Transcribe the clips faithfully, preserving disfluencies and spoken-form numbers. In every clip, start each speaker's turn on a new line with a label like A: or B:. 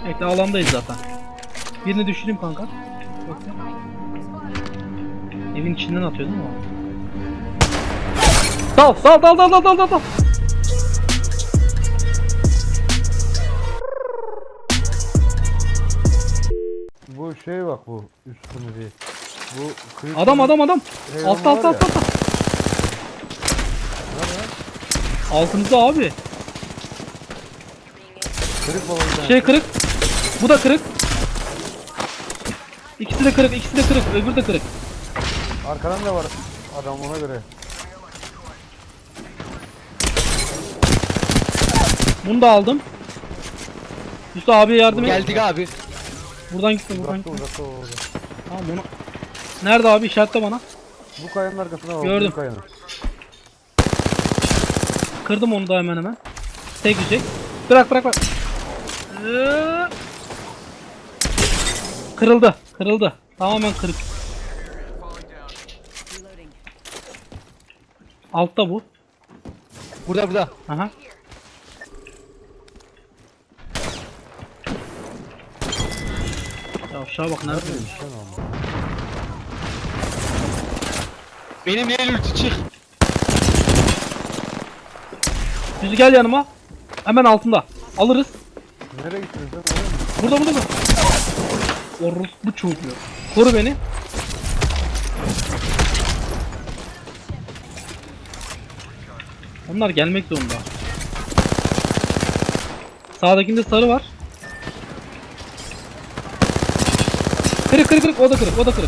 A: Bekle, alandayız zaten. Birini düşüreyim kanka. Bekle. Evin içinden atıyor değil mi o? Dal dal dal dal dal dal dal.
B: Bu şey bak, bu üstümü değil. Bu kıyık
A: Adam adam adam.
B: Eyvallah
A: Altta altta
B: var
A: altta.
B: ya.
A: altta.
B: Nerede?
A: Altınızda abi.
B: Kırık balondan.
A: Şey kırık. Bu da kırık. İkisi de kırık, ikisi de kırık, öbürü de kırık.
B: Arkadan da var adam, ona göre.
A: Bunu da aldım. Üstü abiye yardım et.
C: Geldik abi.
A: Buradan gitme, buradan
B: Uzakta
A: gitme.
B: uzakta orada.
A: Tamam onu. Nerede abi, işaretle bana.
B: Bu kayanın arkasına bak.
A: Gördüm.
B: Bu kayanın.
A: Kırdım onu da hemen hemen. Tek düşecek. Bırak bırak bırak. Ee, Kırıldı, kırıldı. Tamamen kırık. Altta bu.
C: Burada burada.
A: Aha. Ya aşağı bak, nerede?
B: Sen ama.
C: Benim el ulti çık.
A: Düzü gel yanıma. Hemen altında. Alırız.
B: Nereye gittin sen? Oraya mı?
A: Burada burada mı? Orus bu çocuğu. Koru beni. Onlar gelmek zorunda. Sağdakinde sarı var. Kırık kırık kırık, o da kırık, o da kırık.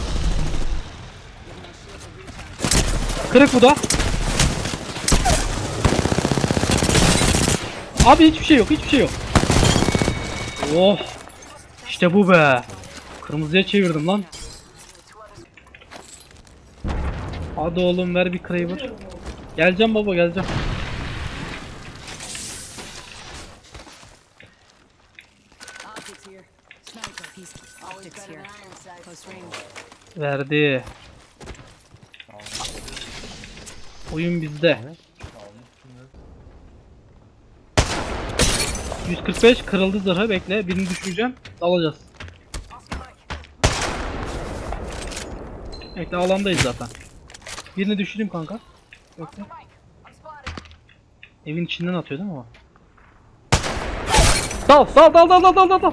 A: Kırık bu da. Abi hiçbir şey yok, hiçbir şey yok. Oh. İşte bu be. Kırmızıya çevirdim lan. Hadi oğlum, ver bir Kraber. Geleceğim baba, geleceğim.
D: Optics here. Sniper. He's optics here. Close range.
A: Verdi. Oyun bizde. yüz kırk beş kırıldı zırhı, bekle. Birini düşüreceğim. Alacağız. Bekle, alandayız zaten. Birini düşüreyim kanka. Bekle. Evin içinden atıyor değil mi o? Dal dal dal dal dal dal dal dal.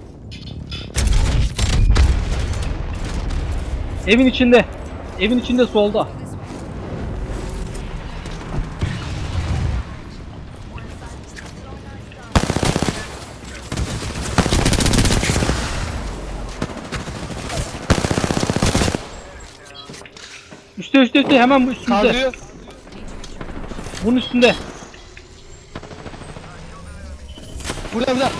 A: Evin içinde. Evin içinde solda. Üstte üstte üstte, hemen bu üstünde.
C: Kaldırıyor.
A: Bunun üstünde.
C: Burada burada.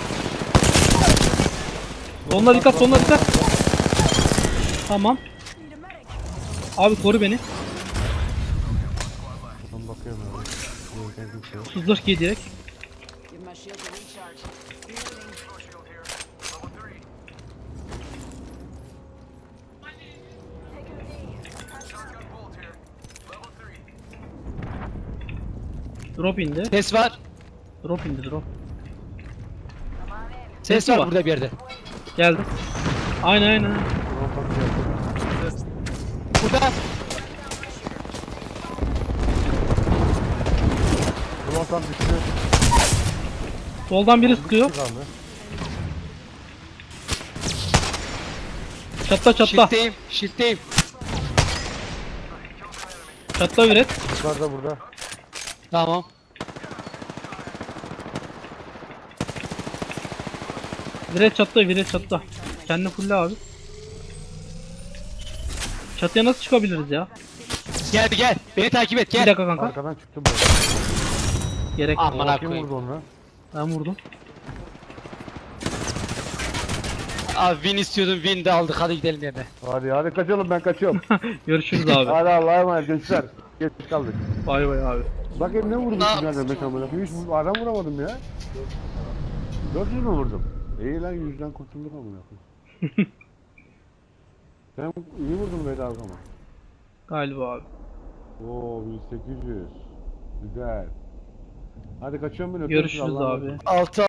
A: Sonuna dikkat, sonuna dikkat. Tamam. Abi koru beni.
B: Buradan bakıyorum ya. Yok, kimse yok.
A: Sızdır ki direkt.
D: Give my shield a recharge.
A: Drop indi.
C: Ses var.
A: Drop indi drop.
C: Ses
A: Sesi
C: var
A: var.
C: burada bir yerde.
A: Geldi. Aynen aynen.
B: Ulan bakıyor.
C: Burada.
B: Ulan tam düştü.
A: Soldan biri sıkıyor.
B: Kaldı.
A: Çatla çatla.
C: Shift'teyim. Shift'teyim.
A: Çatla üret.
B: Yukarıda burada.
C: Tamam.
A: Viret çatla, viret çatla. Kendini fulle abi. Çatıya nasıl çıkabiliriz ya?
C: Gel gel. Beni takip et
A: Bir
C: gel.
A: dakika kanka.
B: Arkadan çıktı bu.
A: Gerek yok.
C: Aman
B: Kim
C: koyayım.
B: vurdu onu?
A: Ben vurdum.
C: Abi win istiyordum, win de aldık, hadi gidelim yerine.
B: Hadi hadi kaçalım, ben kaçıyorum.
A: Görüşürüz abi.
B: Hadi Allah'a emanet gençler. Geç kaldık.
A: Bay bay abi.
B: Bakayım ne vurdum
C: Ne
B: sizden demek amına. Hiç vur- adam vuramadım ya. dört yüz mü vurdum? İyi lan, yüzden kurtulduk amına. Sen iyi vurdun be dalga ama.
A: Galiba abi.
B: Oo bin sekiz yüz. Güzel. Hadi kaçıyorum ben, öpüyorum sizi,
A: Görüşürüz
B: Allah'a
A: abi.
B: emanet.
C: Altı